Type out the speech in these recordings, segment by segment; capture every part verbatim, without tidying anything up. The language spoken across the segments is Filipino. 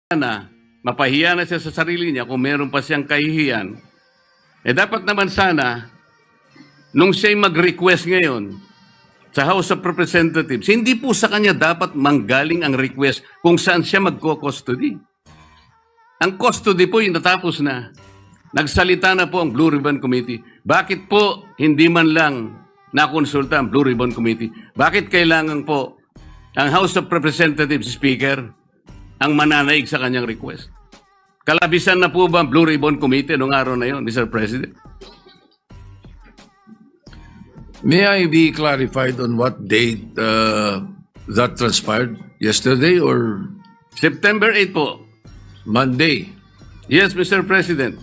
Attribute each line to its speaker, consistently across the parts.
Speaker 1: na mapahiya na siya sa sarili niya kung meron pa siyang kahihiyan, eh dapat naman sana, nung siya'y mag-request ngayon sa House of Representatives, hindi po sa kanya dapat manggaling ang request kung saan siya magko-custody. Ang custody po yung natapos na. Nagsalita na po ang Blue Ribbon Committee. Bakit po hindi man lang nakonsulta ang Blue Ribbon Committee? Bakit kailangan po ang House of Representatives Speaker ang mananaig sa kanyang request? Kalabisan na po ba ang Blue Ribbon Committee noong araw na yon, Mister President?
Speaker 2: May I be clarified on what date uh, that transpired? Yesterday or
Speaker 1: September eighth po.
Speaker 2: Monday?
Speaker 1: Yes, Mister President.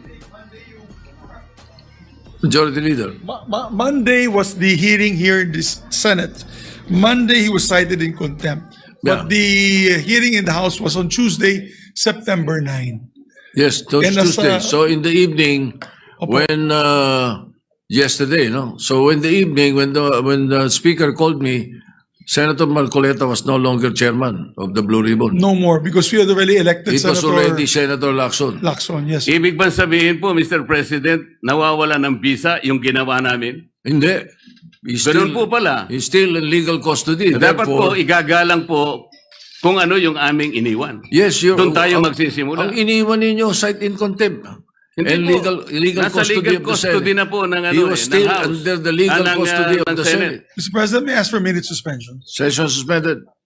Speaker 2: Majority Leader.
Speaker 3: Mo- Mo- Monday was the hearing here in the Senate. Monday he was cited in contempt.
Speaker 2: Yeah.
Speaker 3: But the hearing in the House was on Tuesday, September ninth.
Speaker 2: Yes, to
Speaker 3: And as,
Speaker 2: Tuesday.
Speaker 3: uh,
Speaker 2: So in the evening,
Speaker 3: Opo.
Speaker 2: when uh, yesterday, no. So in the evening, when the when the speaker called me, Senator Marcoleta was no longer chairman of the Blue Ribbon.
Speaker 3: No more because we had already elected
Speaker 2: It was
Speaker 3: Senator
Speaker 2: already Senator Lacson.
Speaker 3: Lacson. Yes.
Speaker 1: Ibig bang sabihin po, Mister President, nawawala ng visa yung ginawa namin?
Speaker 2: Hindi. He's
Speaker 1: Ganun
Speaker 2: still,
Speaker 1: po pala.
Speaker 2: he's still in legal custody.
Speaker 1: Dapat po,
Speaker 2: Therefore,
Speaker 1: igagalang po kung ano yung aming iniwan.
Speaker 2: yes, you're,
Speaker 1: Doon tayo
Speaker 2: ang-
Speaker 1: magsisimula.
Speaker 2: Ang iniwan ninyo, cite in contempt.
Speaker 1: Hindi
Speaker 2: and
Speaker 1: po.
Speaker 2: legal, legal
Speaker 1: Nasa
Speaker 2: custody
Speaker 1: legal
Speaker 2: of the
Speaker 1: custody
Speaker 2: Senate.
Speaker 1: na po ng ano
Speaker 2: He
Speaker 1: eh,
Speaker 2: was
Speaker 1: ng
Speaker 2: still
Speaker 1: House.
Speaker 2: under the legal
Speaker 1: Ah, ng,
Speaker 2: custody
Speaker 1: ah,
Speaker 2: of
Speaker 1: ng
Speaker 2: the
Speaker 1: Senate.
Speaker 2: Senate.
Speaker 3: Mister President, may I ask for a minute suspension?
Speaker 2: Session suspended.